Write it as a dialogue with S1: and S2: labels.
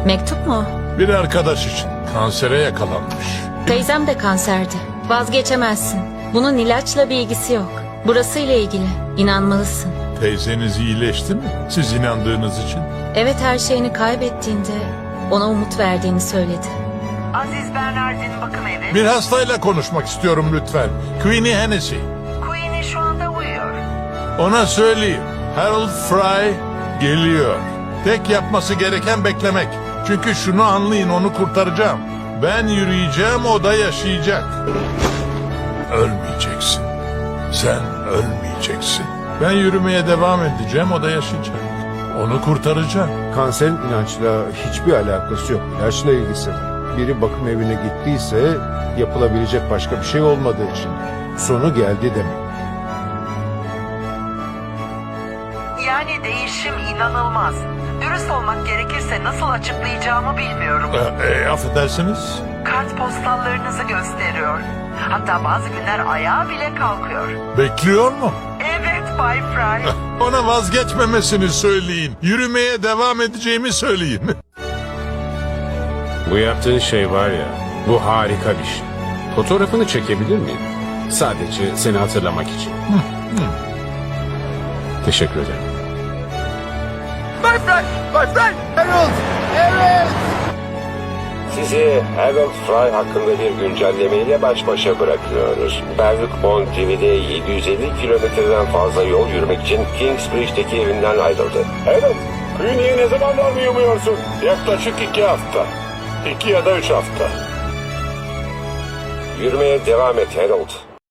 S1: Mektup mu?
S2: Bir arkadaş için kansere yakalanmış.
S1: Teyzem de kanserdi. Vazgeçemezsin. Bunun ilaçla bir ilgisi yok. Burasıyla ilgili. İnanmalısın.
S2: Teyzeniz iyileşti mi? Siz inandığınız için.
S1: Evet, her şeyini kaybettiğinde ona umut verdiğini söyledi.
S3: Aziz Bernard'in bakım evi.
S2: Bir hastayla konuşmak istiyorum lütfen. Queenie Hennessy.
S3: Queenie şu anda uyuyor.
S2: Ona söyleyeyim. Harold Fry geliyor. Tek yapması gereken beklemek. Çünkü şunu anlayın, onu kurtaracağım. Ben yürüyeceğim, o da yaşayacak. Ölmeyeceksin. Sen ölmeyeceksin. Ben yürümeye devam edeceğim, o da yaşayacak. Onu kurtaracağım.
S4: Kanserin inançla hiçbir alakası yok. İlaçla ilgisi var. Biri bakım evine gittiyse yapılabilecek başka bir şey olmadığı için. Sonu geldi demek.
S3: Yani değişim inanılmaz. Dürüst olmak gerekirse nasıl açıklayacağımı bilmiyorum.
S2: Affedersiniz.
S3: Kartpostallarınızı gösteriyor. Hatta bazı günler ayağa bile kalkıyor.
S2: Bekliyor mu?
S3: Evet Bay Fry.
S2: Ona vazgeçmemesini söyleyin. Yürümeye devam edeceğimi söyleyin.
S5: Bu yaptığın şey var ya, bu harika bir şey. Fotoğrafını çekebilir miyim? Sadece seni hatırlamak için. Teşekkür ederim.
S6: Sizi Harold Fry hakkında bir güncellemeyle baş başa bırakıyoruz. Berwick Bond TV'de 750 kilometreden fazla yol yürümek için Kingsbridge'deki evinden ayrıldı. Evet, Queenie'ye ne zamanlar mı umuyorsun? Yaklaşık 2 hafta. 2 ya da 3 hafta. Yürümeye devam et Harold.